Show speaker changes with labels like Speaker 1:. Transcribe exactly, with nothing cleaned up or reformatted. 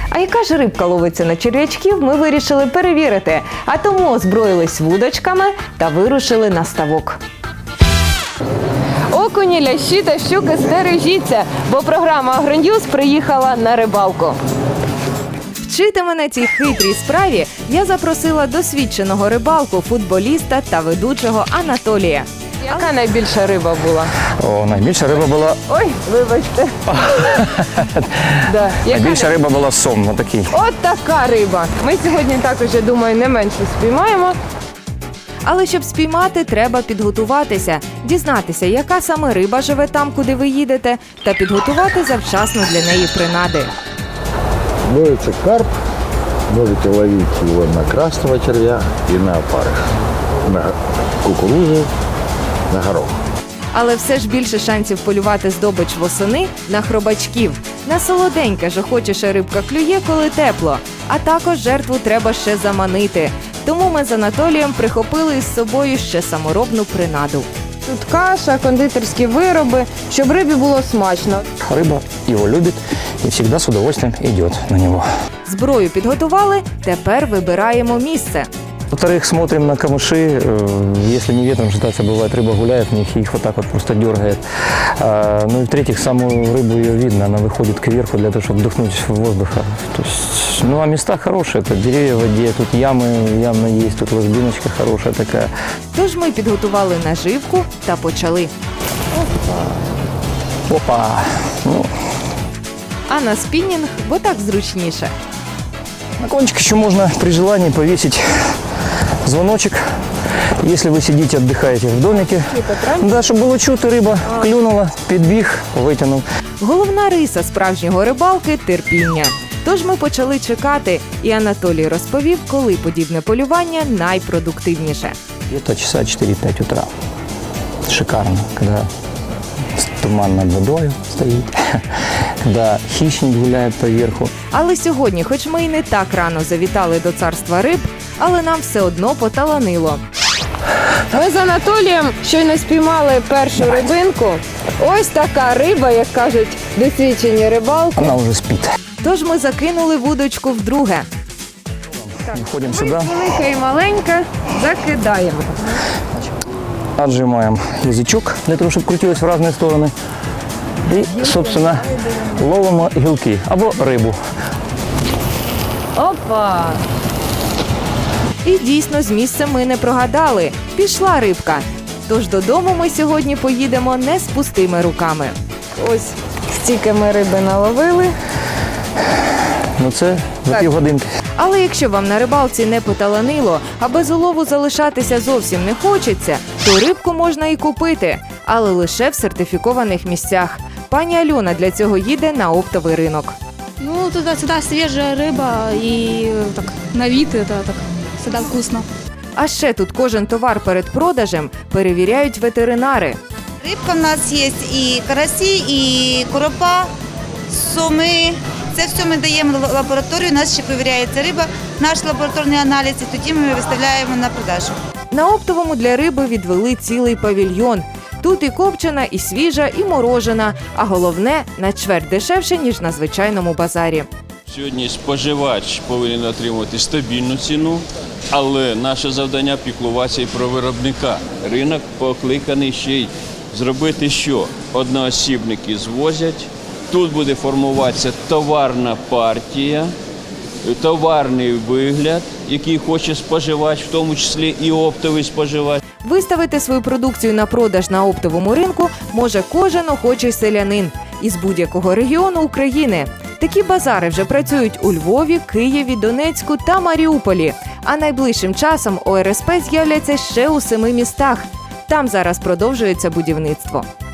Speaker 1: А яка ж рибка ловиться на черв'ячків, ми вирішили перевірити. А тому озброїлись вудочками та вирушили на ставок. Окуні, лящі та щуки, стережіться, бо програма «Агроньюз» приїхала на рибалку. Вчити мене цій хитрій справі я запросила досвідченого рибалку, футболіста та ведучого Анатолія. Яка найбільша риба була?
Speaker 2: О, найбільша риба була.
Speaker 1: Ой, вибачте. Да. Яка
Speaker 2: Найбільша риба була сом, отакий.
Speaker 1: От така риба. Ми сьогодні також, я думаю, не менше спіймаємо. Але щоб спіймати, треба підготуватися, дізнатися, яка саме риба живе там, куди ви їдете, та підготувати завчасно для неї принади.
Speaker 3: Ловится карп, можете ловить его на красного червя и на опарыш, на кукурузу, на горох.
Speaker 1: Але все ж більше шансів полювати здобич восени на хробачків. На солоденьке ж охочіше рибка клює, коли тепло. А також жертву треба ще заманити. Тому ми з Анатолієм прихопили із собою ще саморобну принаду. Тут каша, кондитерські вироби, щоб рибі було смачно.
Speaker 2: Рыба его любит и всегда с удовольствием идет на него.
Speaker 1: Зброю підготували, тепер вибираємо місце.
Speaker 2: Во-вторых, смотрим на камыши. Э, Если не ветром шататься, бывает, рыба гуляет в них и их вот так вот просто дергает. А, Ну и в-третьих, саму рыбу ее видно, она выходит кверху для того, чтобы вдохнуть воздуха. То есть, ну а места хорошие, это деревья в воде, тут ямы явно есть, тут ложбиночка хорошая такая.
Speaker 1: Тож ми підготували наживку та почали.
Speaker 2: Опа! Ну,
Speaker 1: А на спінінг, бо так зручніше.
Speaker 2: на кончик еще можно при желании повесить звоночек, если вы сидите, отдыхаете в домике. Да, чтобы было чути, рыба клюнула, підбіг, витягнув.
Speaker 1: Головна риса справжнього рибалки – терпіння. Тож ми почали чекати, і Анатолій розповів, коли подібне полювання найпродуктивніше.
Speaker 2: Где-то часа четыре-пять утра. Шикарно, когда туман над водой стоит, когда хищник гуляет по верху.
Speaker 1: Але сьогодні, хоч ми і не так рано завітали до царства риб, але нам все одно поталанило. Ми з Анатолієм щойно спіймали першу рибинку. Ось така риба, як кажуть досвідчені рибалки.
Speaker 2: Она уже спит.
Speaker 1: Тож ми закинули вудочку вдруге.
Speaker 2: Входим сюда,
Speaker 1: Велика і маленька закидаємо.
Speaker 2: отжимаем язычок для того, чтобы крутилось в разные стороны. И, собственно, ловимо гілки або рибу.
Speaker 1: Опа! І дійсно, з місцем ми не прогадали. Пішла рибка. Тож додому ми сьогодні поїдемо не з пустими руками. Ось стільки ми риби наловили.
Speaker 2: Ну це за
Speaker 1: Так.
Speaker 2: півгодинки.
Speaker 1: Але якщо вам на рибалці не поталанило, а без улову залишатися зовсім не хочеться, то рибку можна і купити, але лише в сертифікованих місцях. Пані Альона для цього їде на оптовий ринок.
Speaker 4: Ну, туда всегда свежая рыба и так на вид это так всегда вкусно.
Speaker 1: А ще тут кожен товар перед продажем перевіряють ветеринари.
Speaker 5: Рибка в нас є і карасі, і коропа, соми. Це все ми даємо в лабораторію, у нас ще перевіряється риба, наш лабораторний аналіз, і тоді ми виставляємо на продажу.
Speaker 1: На оптовому для риби відвели цілий павільйон. Тут і копчена, і свіжа, і морожена, а головне – на чверть дешевше, ніж на звичайному базарі.
Speaker 6: Сьогодні споживач повинен отримувати стабільну ціну, але наше завдання – піклуватися і про виробника. Ринок покликаний ще й зробити що? Одноосібники звозять, тут буде формуватися товарна партія, товарний вигляд, який хоче споживач, в тому числі і оптовий споживач.
Speaker 1: Виставити свою продукцію на продаж на оптовому ринку може кожен охочий селянин із будь-якого регіону України. Такі базари вже працюють у Львові, Києві, Донецьку та Маріуполі. А найближчим часом О Ер Ес Пе з'являться ще у семи містах. Там зараз продовжується будівництво.